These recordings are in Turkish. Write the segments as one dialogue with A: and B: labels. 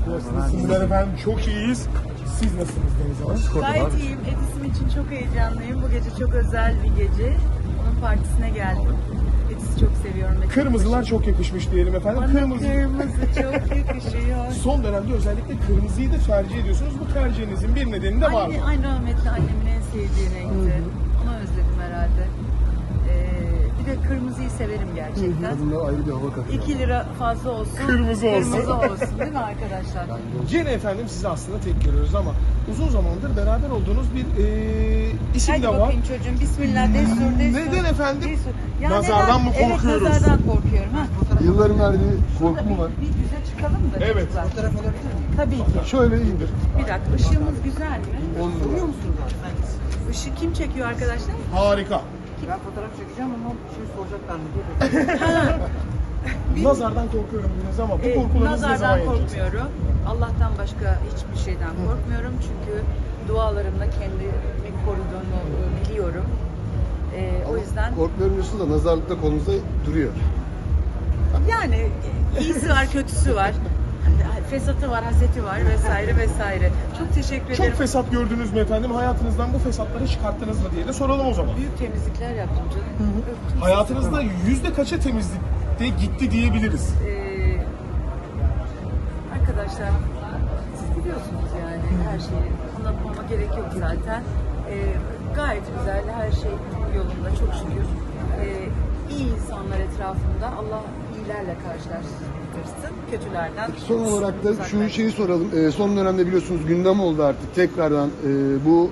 A: Nasılsınız efendim? Çok iyiyiz. Siz nasılsınız Deniz Hanım?
B: Gayet iyiyim. Edis'im için çok heyecanlıyım. Bu gece çok özel bir gece. Onun partisine geldim. Edis'i çok seviyorum.
A: Kırmızılar çok yakışmış diyelim efendim.
B: Bana kırmızı çok yakışıyor.
A: Son dönemde özellikle kırmızıyı da tercih ediyorsunuz. Bu tercihinizin bir nedeni de var mı?
B: Aynı rahmetli annemin en sevdiği renkti. Onu özledim herhalde. Bir de kırmızıyı severim gerçekten.
C: Bunlar ayrı bir hava katıyor.
B: 2 lira fazla olsun.
A: Kırmızı olsun.
B: Kırmızı olsun değil mi arkadaşlar?
A: Gene efendim sizi aslında tek görüyoruz ama uzun zamandır beraber olduğunuz bir isim
B: Hadi
A: de var.
B: bakayım çocuğum. Bismillah. Destur.
A: Neden efendim?
B: Destur. Ya
A: Nazardan mı korkuyoruz?
B: Evet, nazardan korkuyorum. Ha.
C: Yılların verdiği korku mu var?
B: Bir yüze çıkalım da.
A: Evet.
B: çocuklar. Fotoğraf alabilir miyim? Tabii ki.
C: Şöyle iyidir.
B: Bir dakika. Işığımız güzel mi?
C: Görüyor
B: musunuz? Işığı kim çekiyor arkadaşlar?
A: Harika.
D: Ben fotoğraf çekeceğim ama bir şey soracaklar mı diye.
A: Nazardan korkuyorum biraz ama bu korkularınız ne zaman
B: Nazardan
A: yenecek?
B: korkmuyorum. Allah'tan başka hiçbir şeyden korkmuyorum. Çünkü dualarımla kendimi koruduğunu biliyorum. O yüzden
C: Korkuların üstünde nazarlıkta kolunuzda duruyor.
B: yani iyisi var, kötüsü var. Fesatı var, haseti var vesaire vesaire. Çok teşekkür ederim.
A: Çok fesat gördünüz mü efendim? Hayatınızdan bu fesatları çıkarttınız mı diye de soralım o zaman.
B: Büyük temizlikler yaptım canım. Öptüm.
A: Hayatınızda %kaça temizlikte gitti diyebiliriz?
B: Arkadaşlar siz biliyorsunuz yani her şeyi anlatmama gerek yok zaten. Gayet güzel, her şey yolunda çok şükür. İyi insanlar etrafımda. Allah iyilerle karşılaştırsın, kötülerden.
C: Son olarak da şu
B: uzaklaştırsın.
C: şeyi soralım. Son dönemde biliyorsunuz gündem oldu artık tekrardan bu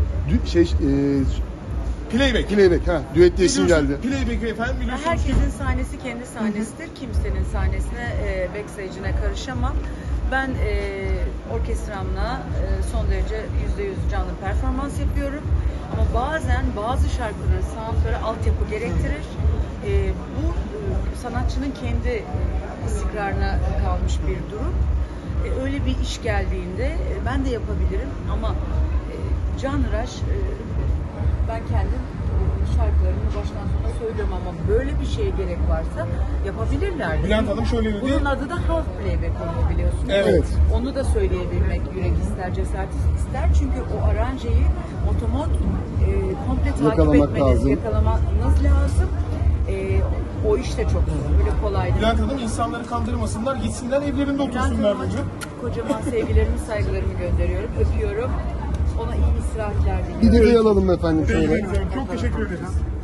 A: Playback.
C: Playback, düet diye isim geldi.
A: Playback efendim biliyorsunuz ki
B: Herkesin sahnesi kendi sahnesidir. Kimsenin sahnesine, backstage'ine karışamam. Ben orkestramla son derece %100 canlı performans yapıyorum. Ama bazen bazı şarkıların soundları altyapı gerektirir. Bu sanatçının kendi istikrarına kalmış bir durum. Öyle bir iş geldiğinde ben de yapabilirim ama canhıraş ben kendim şarkılarımı baştan sona söylüyorum ama böyle bir şeye gerek varsa yapabilirler.
A: Bülent Hanım şöyle dedi.
B: Bunun adı da half playback oluyor biliyorsunuz.
A: Evet.
B: Onu da söyleyebilmek yürek ister, cesaret ister. Çünkü o aranjeyi otomot komple takip
C: Yakalamak
B: etmeniz,
C: lazım.
B: yakalamanız lazım. O iş de çok böyle kolay değil.
A: Bülent Hanım insanları kandırmasınlar, gitsinler evlerinde
B: Bülent
A: otursunlar
B: Hanım'a
A: bugün.
B: kocaman sevgilerimi, saygılarımı gönderiyorum. Öpüyorum. Ona iyi istirahatler diliyorum.
C: Bir detay alalım efendim şöyle.
A: Çok teşekkür ederiz.